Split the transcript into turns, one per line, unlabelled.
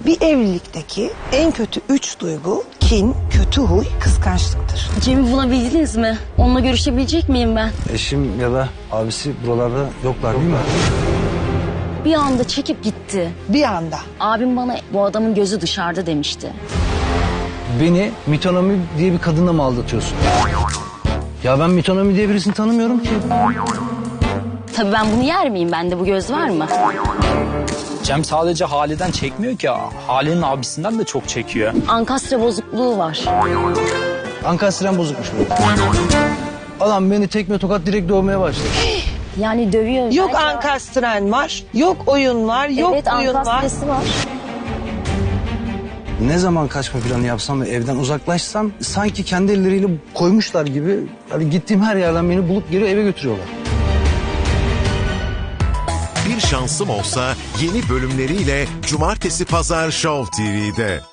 Bir evlilikteki en kötü 3 duygu kin, kötü huy, kıskançlıktır.
Cem'i bulabildiniz mi? Onunla görüşebilecek miyim ben?
Eşim ya da abisi buralarda yoklar değil mi?
Bir anda çekip gitti.
Bir anda.
Abim bana bu adamın gözü dışarıda demişti.
Beni Mitonomi diye bir kadınla mı aldatıyorsun? Ya ben Mitonomi diye birisini tanımıyorum ki.
Tabii ben bunu yer miyim? Bende bu göz var mı?
Cem sadece Hale'den çekmiyor ki. Hale'nin abisinden de çok çekiyor.
Ankastre bozukluğu var.
Ankastren bozukmuş bu. Adam beni tekme tokat direkt dövmeye başladı.
Yani dövüyor.
Yok
belki.
ankastren var, yok oyun var, yok
Evet,
oyun var.
ankastresi var.
Ne zaman kaçma planı yapsam ve evden uzaklaşsam sanki kendi elleriyle koymuşlar gibi hani gittiğim her yerden beni bulup geri eve götürüyorlar.
Bir Şansım Olsa yeni bölümleriyle Cumartesi Pazar Show TV'de.